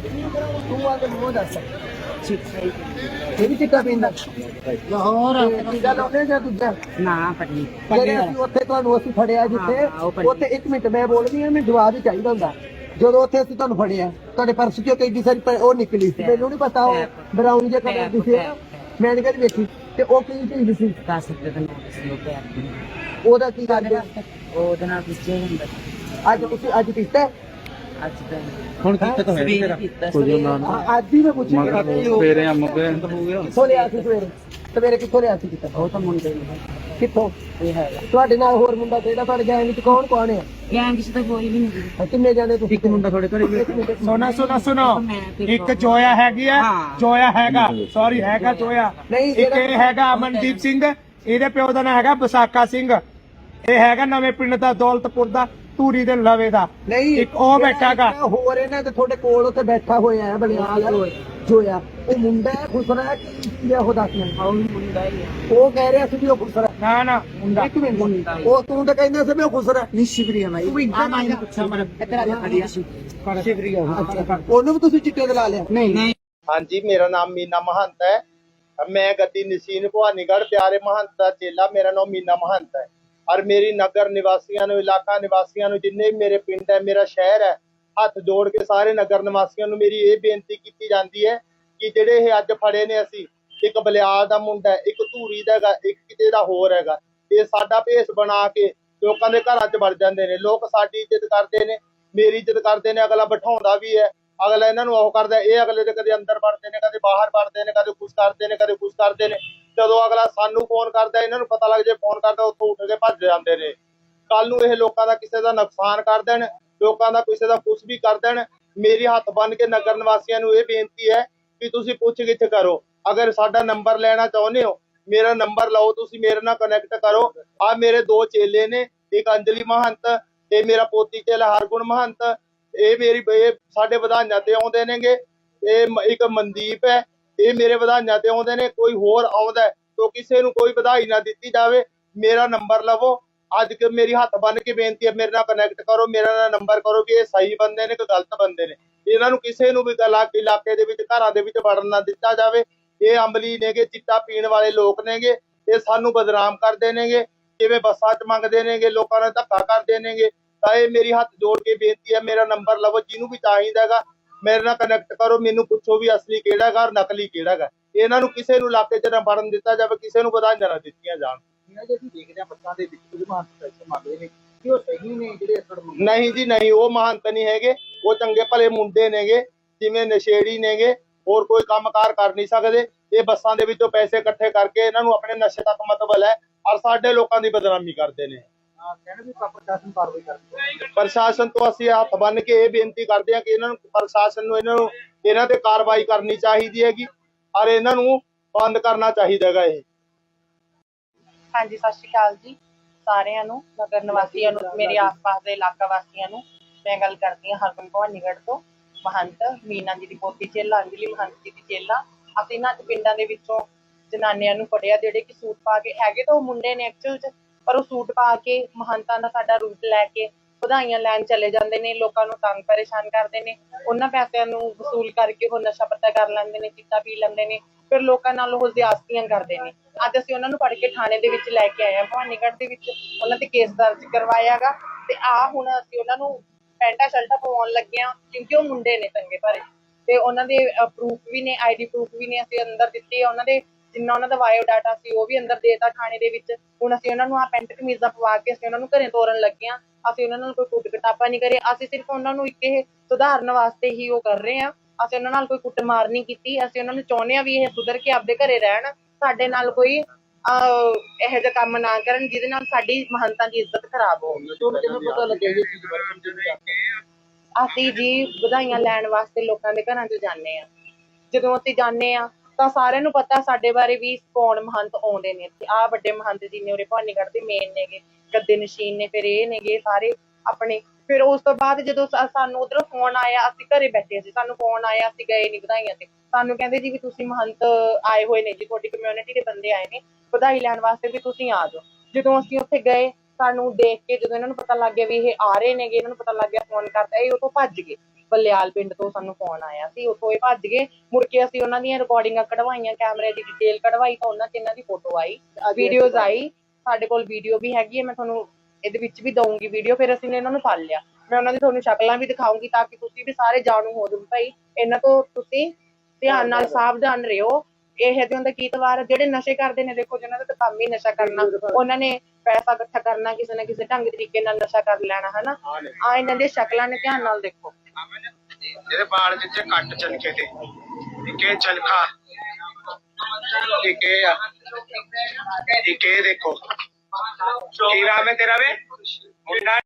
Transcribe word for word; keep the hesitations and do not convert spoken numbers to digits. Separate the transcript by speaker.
Speaker 1: ਤੂੰ ਆ ਕੇ ਮੂੰਹ ਦੱਸ ਇਹ ਵੀ ਚਿੱਟਾ ਪੀਂਦਾ
Speaker 2: ਲਾਹੌਰ
Speaker 1: ਟੀਕਾ ਲਾਉਂਦੇ ਜਾਂ ਦੂਜਾ
Speaker 2: ਨਾ ਪਟਨੀ
Speaker 1: ਜਿਹੜੇ ਅਸੀਂ ਉੱਥੇ ਤੁਹਾਨੂੰ ਅਸੀਂ ਫੜਿਆ ਜਿੱਥੇ ਉੱਥੇ ਇੱਕ ਮਿੰਟ ਮੈਂ ਬੋਲਦੀ ਹਾਂ, ਮੈਨੂੰ ਜਵਾਬ ਹੀ ਚਾਹੀਦਾ ਹੁੰਦਾ। ਜਦੋਂ ਉੱਥੇ ਅਸੀਂ ਤੁਹਾਨੂੰ ਫੜਿਆ ਤੁਹਾਡੇ ਪਰਸ ਚੋਂ ਕਈ ਸਾਰੀ ਪ- ਉਹ ਨਿਕਲੀ ਸੀ, ਮੈਨੂੰ ਨਹੀਂ ਪਤਾ ਉਹ ਬਰਾਊਨ ਜਿਹਾ ਕਲਰ ਦੀ ਸੀ, ਮੈਂ ਨਹੀਂ ਕਦੀ ਵੇਖੀ। ਤੇ ਉਹ ਕੀ ਚੀਜ਼ ਸੀ?
Speaker 2: ਦਸ ਰੁਪਏ ਦਾ ਨੋਟ ਸੀ ਉਹ ਪਿਆ
Speaker 1: ਉਹਦਾ ਕੀ ਗੱਲ ਹੈ?
Speaker 2: ਉਹਦੇ ਨਾਲ ਪਿੱਛੇ ਹੁੰਦਾ
Speaker 1: ਅੱਜ ਤੁਸੀਂ ਅੱਜ ਪੀਤਾ?
Speaker 2: ਅੱਜ ਤਾਂ
Speaker 3: ਹੁਣ ਕਿੱਥੇ ਤੋਂ ਹੈ ਤੇਰਾ ਕੁਝ ਨਾ
Speaker 1: ਹਾਂ, ਅੱਜ ਹੀ ਮੈਂ ਪੁੱਛੀ
Speaker 3: ਸਵੇਰੇ ਆ ਮੁੱਕੇ ਹੋ ਗਿਆ
Speaker 1: ਕਿੱਥੋਂ ਲਿਆ ਸੀ ਸਵੇਰੇ? ਸਵੇਰੇ ਕਿੱਥੋਂ ਲਿਆ ਸੀ? ਕਿੱਥੋਂ
Speaker 2: ਉਹ ਤਾਂ ਮੁੰਡੇ ਨੇ
Speaker 1: ਕਿੱਥੋਂ?
Speaker 2: ਇਹ ਹੈਗਾ
Speaker 1: ਤੁਹਾਡੇ ਨਾਲ ਹੋਰ ਮੁੰਡਾ ਕਿਹੜਾ ਤੁਹਾਡੇ ਗੈਂਗ ਵਿੱਚ ਕੌਣ ਕੌਣ ਹੈ?
Speaker 2: ਗੈਂਗ ਚ ਤਾਂ ਕੋਈ ਵੀ ਨਹੀਂ
Speaker 1: ਹਾਂ, ਕਿੰਨੇ ਜਾਣੇ ਤੁਸੀਂ?
Speaker 3: ਇੱਕ ਮੁੰਡਾ ਤੁਹਾਡੇ ਘਰੇ
Speaker 1: ਇੱਕ ਮਿੰਟ,
Speaker 4: ਸੁਣਾ ਸੁਣਾ ਸੁਣੋ
Speaker 2: ਮੈਂ ਤੇ
Speaker 4: ਇੱਕ ਜੋਇਆ ਹੈਗੀ ਆ
Speaker 2: ਹਾਂ।
Speaker 4: ਜੋਇਆ ਹੈਗਾ ਸੌਰੀ ਹੈਗਾ ਜੋਇਆ
Speaker 1: ਨਹੀਂ,
Speaker 4: ਇੱਕ ਇਹ ਹੈਗਾ ਅਮਨਦੀਪ ਸਿੰਘ, ਇਹਦੇ ਪਿਓ ਦਾ ਨਾਂ ਹੈਗਾ ਵਿਸਾਖਾ ਸਿੰਘ, ਇਹ ਹੈਗਾ ਨਵੇਂ ਪਿੰਡ ਦਾ ਦੌਲਤਪੁਰ ਦਾ ਧੂਰੀ ਦੇ ਲਵੇ ਦਾ।
Speaker 1: ਨਹੀਂ
Speaker 4: ਇੱਕ ਉਹ
Speaker 1: ਜਿਹੜਾ
Speaker 4: ਬੈਠਾ ਗਾ।
Speaker 1: ਇੱਕ ਹੋਰ ਇਹਨਾਂ ਦੇ ਤੁਹਾਡੇ ਕੋਲ ਉੱਥੇ ਬੈਠਾ ਹੋਇਆ ਹੈ ਬਲਿਆਲ ਜੋਇਆ, ਉਹ ਮੁੰਡਾ ਹੈ ਖੁਸਰਾ ਹੈ ਕਿ ਕੀ ਹੈ ਉਹ ਦੱਸ ਮੈਨੂੰ।
Speaker 2: ਉਹ ਵੀ ਮੁੰਡਾ ਹੀ ਆ
Speaker 1: ਉਹ ਕਹਿ ਰਿਹਾ ਸੀ ਵੀ ਉਹ ਖੁਸਰਾ ਹੈ।
Speaker 4: ਨਾ ਨਾ ਮੁੰਡਾ
Speaker 1: ਇੱਕ ਮਿੰਟ, ਉਹ ਤੂੰ ਤਾਂ ਕਹਿੰਦਾ ਸੀ ਵੀ ਉਹ ਖੁਸਰਾ ਹੈ।
Speaker 2: ਨਹੀਂ ਸ਼ਿਵਰੀਆ ਭਾਈ ਆ ਮੈਂ ਇਹਨੂੰ ਪੁੱਛਾਂ ਮਰ ਇੱਧਰ ਆ ਜਾ ਖੜੀਆ ਸੀ
Speaker 1: ਸ਼ਿਵਰੀਆ, ਅੱਛਾ, ਉਹਨੂੰ ਵੀ ਤੁਸੀਂ ਚਿੱਟੇ ਤੇ ਲਾ ਲਿਆ?
Speaker 2: ਨਹੀਂ ਨਹੀਂ
Speaker 5: हाँ जी, मेरा नाम मीना महंत है। मैं गद्दी नसीन भवानीगढ़ प्यारे महंत का चेला। मेरा नाम मीना महंत है और मेरी नगर निवासियों नूं, इलाका निवासियों नूं, जिन्ने भी मेरे पिंड है, मेरा शहर है, हथ जोड़ के सारे नगर निवासियों नूं मेरी ये बेनती की जाती है कि जिहड़े ये अज फड़े ने, असी एक बलियाल दा मुंडा है, एक धूरी दा हैगा, एक किते दा होर हैगा, ये साडा भेस बना के लोकां दे घरां च वड़ जांदे ने। लोक साडी इज्जत करदे ने, मेरी इज्जत करदे ने, अगला बिठाउंदा भी है, अगला इन्हां नूं ओह करदा, ये अगले दे कदे अंदर वड़दे ने, कदे बाहर वड़दे ने, कदे कुछ करदे ने, कदे कुछ करदे ने। जदों अगला सानू फोन करदा, इन्हां नूं पता लग जाए फोन करदा, उत्थों उठ के भज जांदे ने। कल नूं ये लोकां दा किसे दा नुकसान कर देण, लोकां दा किसे दा कुछ भी कर देण। मेरी हत्थ बन के नगर निवासियों नूं ये बेनती है कि तुसीं पुछ गिछ करो। अगर साडा नंबर लेना चाहुंदे हो, मेरा नंबर लाओ, तुसीं मेरे नाल कनैक्ट करो। आ मेरे दो चेले ने, एक अंजलि महंत, ये मेरा पोती चेला हरगुण महंत, ਇਹ ਮੇਰੀ ਇਹ ਸਾਡੇ ਵਧਾਈਆਂ ਤੇ ਆਉਂਦੇ ਨੇਗੇ। ਇਹ ਇੱਕ ਮਨਦੀਪ ਹੈ, ਇਹ ਮੇਰੇ ਵਧਾਈਆਂ ਤੇ ਆਉਂਦੇ ਨੇ। ਕੋਈ ਹੋਰ ਆਉਂਦਾ ਤਾਂ ਕਿਸੇ ਨੂੰ ਕੋਈ ਵਧਾਈ ਨਾ ਦਿੱਤੀ ਜਾਵੇ। ਮੇਰਾ ਨੰਬਰ ਲਵੋ, ਅੱਜ ਕਿ ਮੇਰੀ ਹੱਥ ਬੰਨ ਕੇ ਬੇਨਤੀ ਹੈ, ਮੇਰੇ ਨਾਲ ਕਨੈਕਟ ਕਰੋ, ਮੇਰੇ ਨਾਲ ਨੰਬਰ ਕਰੋ ਵੀ ਇਹ ਸਹੀ ਬੰਦੇ ਨੇ ਕਿ ਗਲਤ ਬੰਦੇ ਨੇ। ਇਹਨਾਂ ਨੂੰ ਕਿਸੇ ਨੂੰ ਵੀ ਇਲਾਕੇ ਦੇ ਵਿੱਚ, ਘਰਾਂ ਦੇ ਵਿੱਚ ਵੜਨ ਨਾ ਦਿੱਤਾ ਜਾਵੇ। ਇਹ ਅਮਲੀ ਨੇਗੇ, ਚਿੱਟਾ ਪੀਣ ਵਾਲੇ ਲੋਕ ਨੇਗੇ, ਇਹ ਸਾਨੂੰ ਬਦਨਾਮ ਕਰਦੇ ਨੇਗੇ, ਜਿਵੇਂ ਬੱਸਾਂ 'ਚ ਮੰਗਦੇ ਨੇਗੇ, ਲੋਕਾਂ ਨਾਲ ਧੱਕਾ ਕਰਦੇ ਨੇਗੇ। ਤਾਂ ਇਹ ਮੇਰੀ ਹੱਥ ਜੋੜ ਕੇ ਬੇਨਤੀ ਹੈ, ਮੇਰਾ ਨੰਬਰ ਲਵੋ, ਜਿਹਨੂੰ ਵੀ ਚਾਹੀਦਾ ਹੈਗਾ ਮੇਰੇ ਨਾਲ ਕਨੈਕਟ ਕਰੋ। ਮੈਨੂੰ ਪੁੱਛੋ ਵੀ ਅਸਲੀ ਕਿਹੜਾ ਹੈਗਾ ਔਰ ਨਕਲੀ ਕਿਹੜਾ ਹੈਗਾ। ਇਹਨਾਂ ਨੂੰ ਕਿਸੇ ਨੂੰ ਇਲਾਕੇ 'ਚ ਨਾ ਵੜਨ ਦਿੱਤਾ ਜਾਵੇ, ਕਿਸੇ ਨੂੰ ਵਧਾਈਆਂ ਨਾ ਦਿੱਤੀਆਂ ਜਾਣ। ਨਹੀਂ ਜੀ ਨਹੀਂ, ਉਹ ਮਹੰਤ ਨਹੀਂ ਹੈਗੇ, ਉਹ ਚੰਗੇ ਭਲੇ ਮੁੰਡੇ ਨੇਗੇ, ਜਿਵੇਂ ਨਸ਼ੇੜੀ ਨੇਗੇ, ਹੋਰ ਕੋਈ ਕੰਮਕਾਰ ਕਰ ਨਹੀਂ ਸਕਦੇ। ਇਹ ਬੱਸਾਂ ਦੇ ਵਿੱਚੋਂ ਪੈਸੇ ਇਕੱਠੇ ਕਰਕੇ ਇਹਨਾਂ ਨੂੰ ਆਪਣੇ ਨਸ਼ੇ ਤੱਕ ਮਤਲਬ ਹੈ ਔਰ ਸਾਡੇ ਲੋਕਾਂ ਦੀ ਬਦਨਾਮੀ ਕਰਦੇ ਨੇ। ਪ੍ਰਸ਼ਾਸਨ ਤੋਂ ਅਸੀਂ ਹੱਥ ਬੰਨ ਕੇ ਇਹ ਬੇਨਤੀ ਕਰਦੇ ਹਾਂ ਕਿ ਇਹਨਾਂ ਨੂੰ, ਪ੍ਰਸ਼ਾਸਨ ਨੂੰ ਇਹਨਾਂ ਨੂੰ ਇਹਨਾਂ ਤੇ ਕਾਰਵਾਈ ਕਰਨੀ ਚਾਹੀਦੀ ਹੈਗੀ ਔਰ ਇਹਨਾਂ ਨੂੰ ਬੰਦ ਕਰਨਾ ਚਾਹੀਦਾ ਹੈਗਾ। ਇਹ
Speaker 6: ਹਾਂਜੀ, ਸਤਿ ਸ਼੍ਰੀ ਅਕਾਲ ਜੀ ਸਾਰਿਆਂ ਨੂੰ, ਨਗਰ ਨਿਵਾਸੀਆਂ ਨੂੰ, ਮੇਰੇ ਆਸ-ਪਾਸ ਦੇ ਇਲਾਕਾ ਵਾਸੀਆਂ ਨੂੰ। ਮੈਂ ਗੱਲ ਕਰਦੀ ਹਾਂ ਹਰਗੁਣ ਭਵਾਨੀਗੜ੍ਹ ਤੋਂ। ਮਹੰਤ ਮੀਨਾ ਜੀ ਦੀ ਪੋਤੀ ਚੇਲਾ, ਅੰਜਲੀ ਮਹੰਤ ਜੀ ਦੀ ਚੇਲਾ। ਅਸੀਂ ਇਹਨਾਂ ਪਿੰਡਾਂ ਦੇ ਵਿੱਚੋਂ ਜਨਾਨੀਆਂ ਨੂੰ ਫੜਿਆ ਜਿਹੜੇ ਕਿ ਸੂਟ ਪਾ ਕੇ, ਹੈਗੇ ਤਾਂ ਉਹ ਮੁੰਡੇ ਨੇ ਐਕਚੁਅਲ 'ਚ, ਪਰ ਉਹ ਸੂਟ ਪਾ ਕੇ ਮਹੰਤਾਂ ਦਾ ਸਾਡਾ ਰੂਪ ਲੈ ਕੇ ਵਧਾਈਆਂ ਲੈਣ ਚਲੇ ਜਾਂਦੇ ਨੇ, ਲੋਕਾਂ ਨੂੰ ਤੰਗ ਪਰੇਸ਼ਾਨ ਕਰਦੇ ਨੇ। ਉਹਨਾਂ ਪੈਸਿਆਂ ਨੂੰ ਵਸੂਲ ਕਰਕੇ ਉਹ ਨਸ਼ਾ ਪੱਤਾ ਕਰ ਲੈਂਦੇ ਨੇ, ਚਿੱਟਾ ਪੀ ਲੈਂਦੇ ਨੇ, ਫਿਰ ਲੋਕਾਂ ਨਾਲ ਉਹ ਜ਼ਿਆਦਤੀਆਂ ਕਰਦੇ ਨੇ। ਅੱਜ ਅਸੀਂ ਉਹਨਾਂ ਨੂੰ ਫੜ ਕੇ ਥਾਣੇ ਦੇ ਵਿੱਚ ਲੈ ਕੇ ਆਏ ਹਾਂ ਭਵਾਨੀਗੜ੍ਹ ਦੇ ਵਿੱਚ, ਉਹਨਾਂ ਤੇ ਕੇਸ ਦਰਜ ਕਰਵਾਇਆ ਗਾ। ਤੇ ਆਹ ਹੁਣ ਅਸੀਂ ਉਹਨਾਂ ਨੂੰ ਪੈਂਟਾਂ ਸ਼ਰਟਾਂ ਪਵਾਉਣ ਲੱਗੇ ਹਾਂ, ਕਿਉਂਕਿ ਉਹ ਮੁੰਡੇ ਨੇ ਚੰਗੇ ਭਰੇ, ਤੇ ਉਹਨਾਂ ਦੇ ਪ੍ਰੂਫ ਵੀ ਨੇ, ਆਈ ਡੀ ਪ੍ਰੂਫ ਵੀ ਨੇ, ਅਸੀਂ ਅੰਦਰ ਦਿੱਤੇ ਆ। ਉਹਨਾਂ ਦੇ ਜਿੰਨਾ ਉਹਨਾਂ ਦਾ ਬਾਇਓ ਡਾਟਾ ਸੀ ਉਹ ਵੀ ਅੰਦਰ ਦੇਤਾ ਥਾਣੇ ਦੇ ਵਿੱਚ। ਹੁਣ ਅਸੀਂ ਉਹਨਾਂ ਨੂੰ ਆਹ ਪੈਂਟ ਕਮੀਜ਼ਾਂ ਪਵਾ ਕੇ ਅਸੀਂ ਉਹਨਾਂ ਨੂੰ ਘਰੇ ਤੋਰਨ ਲੱਗੇ ਹਾਂ। ਅਸੀਂ ਉਹਨਾਂ ਨਾਲ ਕੋਈ ਕੁੱਟ ਕਟਾਪਾ ਨਹੀਂ ਕਰੇ, ਅਸੀਂ ਸਿਰਫ ਉਹਨਾਂ ਨੂੰ ਇੱਕ ਇਹ ਸੁਧਾਰਨ ਵਾਸਤੇ ਹੀ ਉਹ ਕਰ ਰਹੇ ਹਾਂ। ਅਸੀਂ ਉਹਨਾਂ ਨਾਲ ਕੋਈ ਕੁੱਟਮਾਰ ਨਹੀਂ ਕੀਤੀ। ਅਸੀਂ ਉਹਨਾਂ ਨੂੰ ਚਾਹੁੰਦੇ ਹਾਂ ਵੀ ਇਹ ਸੁਧਰ ਕੇ ਆਪਦੇ ਘਰੇ ਰਹਿਣ, ਸਾਡੇ ਨਾਲ ਕੋਈ ਅਹ ਇਹੋ ਜਿਹਾ ਕੰਮ ਨਾ ਕਰਨ ਜਿਹਦੇ ਨਾਲ ਸਾਡੀ ਮਹੰਤਾਂ ਦੀ ਇੱਜ਼ਤ ਖਰਾਬ ਹੋ। ਅਸੀਂ ਜੀ ਵਧਾਈਆਂ ਲੈਣ ਵਾਸਤੇ ਲੋਕਾਂ ਦੇ ਘਰਾਂ 'ਚ ਜਾਂਦੇ ਹਾਂ। ਜਦੋਂ ਅਸੀਂ ਜਾਂਦੇ ਹਾਂ ਤਾਂ ਸਾਰਿਆਂ ਨੂੰ ਪਤਾ ਸਾਡੇ ਬਾਰੇ ਵੀ ਕੌਣ ਮਹੰਤ ਆਉਂਦੇ ਨੇ ਇੱਥੇ। ਆਹ ਵੱਡੇ ਮਹੰਤ ਜੀ ਨੇ ਉਰੇ ਭਵਾਨੀਗੜ੍ਹ ਦੇ ਮੇਨ ਨੇਗੇ, ਗੱਦੇ ਨਸ਼ੀਨ ਨੇ, ਫਿਰ ਇਹ ਨੇਗੇ ਸਾਰੇ ਆਪਣੇ। ਫਿਰ ਉਸ ਤੋਂ ਬਾਅਦ ਜਦੋਂ ਸਾਨੂੰ ਉਧਰੋਂ ਫੋਨ ਆਇਆ, ਅਸੀਂ ਘਰੇ ਬੈਠੇ ਸੀ, ਸਾਨੂੰ ਫੋਨ ਆਇਆ, ਅਸੀਂ ਗਏ ਨੀ ਵਧਾਈਆਂ ਤੇ। ਸਾਨੂੰ ਕਹਿੰਦੇ ਜੀ ਵੀ ਤੁਸੀਂ ਮਹੰਤ ਆਏ ਹੋਏ ਨੇ ਜੀ, ਤੁਹਾਡੀ ਕਮਿਊਨਿਟੀ ਦੇ ਬੰਦੇ ਆਏ ਨੇ ਵਧਾਈ ਲੈਣ ਵਾਸਤੇ, ਵੀ ਤੁਸੀਂ ਆ ਜਾਓ। ਜਦੋਂ ਅਸੀਂ ਉੱਥੇ ਗਏ, ਸਾਨੂੰ ਦੇਖ ਕੇ ਜਦੋਂ ਇਹਨਾਂ ਨੂੰ ਪਤਾ ਲੱਗ ਗਿਆ ਵੀ ਇਹ ਆ ਰਹੇ ਨੇਗੇ, ਇਹਨਾਂ ਨੂੰ ਪਤਾ ਲੱਗ ਗਿਆ ਫੋਨ ਕਰਤਾ, ਇਹ ਉਹ ਤੋਂ ਭੱਜ ਗਏ। ਬਲਿਆਲ ਪਿੰਡ ਤੋਂ ਸਾਨੂੰ ਫੋਨ ਆਇਆ ਸੀ, ਉੱਥੋਂ ਇਹ ਭੱਜ ਗਏ। ਮੁੜ ਕੇ ਅਸੀਂ ਉਹਨਾਂ ਦੀਆਂ ਰਿਕਾਰਡਿੰਗਾਂ ਕਢਵਾਈਆਂ, ਕੈਮਰੇ ਦੀ ਡਿਟੇਲ ਕਢਵਾਈ ਤਾਂ ਉਹਨਾਂ 'ਚ ਇਹਨਾਂ ਦੀ ਫੋਟੋ ਆਈ, ਵੀਡੀਓਜ਼ ਆਈ। ਸਾਡੇ ਕੋਲ ਵੀਡੀਓ ਵੀ ਹੈਗੀ ਹੈ, ਮੈਂ ਤੁਹਾਨੂੰ ਇਹਦੇ ਵਿੱਚ ਵੀ ਦਊਂਗੀ ਵੀਡੀਓ। ਫਿਰ ਅਸੀਂ ਨੇ ਇਹਨਾਂ ਨੂੰ ਫੜ ਲਿਆ, ਮੈਂ ਉਹਨਾਂ ਦੀ ਤੁਹਾਨੂੰ ਸ਼ਕਲਾਂ ਵੀ ਦਿਖਾਊਂਗੀ ਤਾਂ ਕਿ ਤੁਸੀਂ ਵੀ ਸਾਰੇ ਜਾਣੂ ਹੋ ਜਾਓ ਭਾਈ ਇਹਨਾਂ ਤੋਂ ਤੁਸੀਂ ਧਿਆਨ ਨਾਲ ਸਾਵਧਾਨ ਰਹੋ। ਇਹ ਜਿਹੇ ਹੁੰਦਾ ਕੀ ਤਵਾਰ ਜਿਹੜੇ ਨਸ਼ੇ ਕਰਦੇ ਨੇ, ਦੇਖੋ ਜਿਹਨਾਂ ਦਾ ਤਾਂ ਕੰਮ ਹੀ ਨਸ਼ਾ ਕਰਨਾ, ਉਹਨਾਂ ਨੇ ਪੈਸਾ ਇਕੱਠਾ ਕਰਨਾ, ਕਿਸੇ ਨਾ ਕਿਸੇ ਢੰਗ ਤਰੀਕੇ ਨਾਲ ਨਸ਼ਾ ਕਰ ਲੈਣਾ, ਹਨਾ। ਆ ਇਹਨਾਂ ਦੀਆਂ ਸ਼ਕਲਾਂ ਨੇ, ਧਿਆਨ ਨਾਲ ਦੇਖੋ।
Speaker 5: ਇਹਦੇ ਬਾਲ ਜਿੱਥੇ ਕੱਟ ਚਲਕੇ ਤੇ ਇੱਕ ਇਹ ਚਲਖਾ, ਇੱਕ ਇਹ ਆ, ਇੱਕ ਇਹ ਦੇਖੋ। ਕੀ ਨਾਮ ਹੈ ਤੇਰਾ ਵੇ? ਮੁੰਡਾ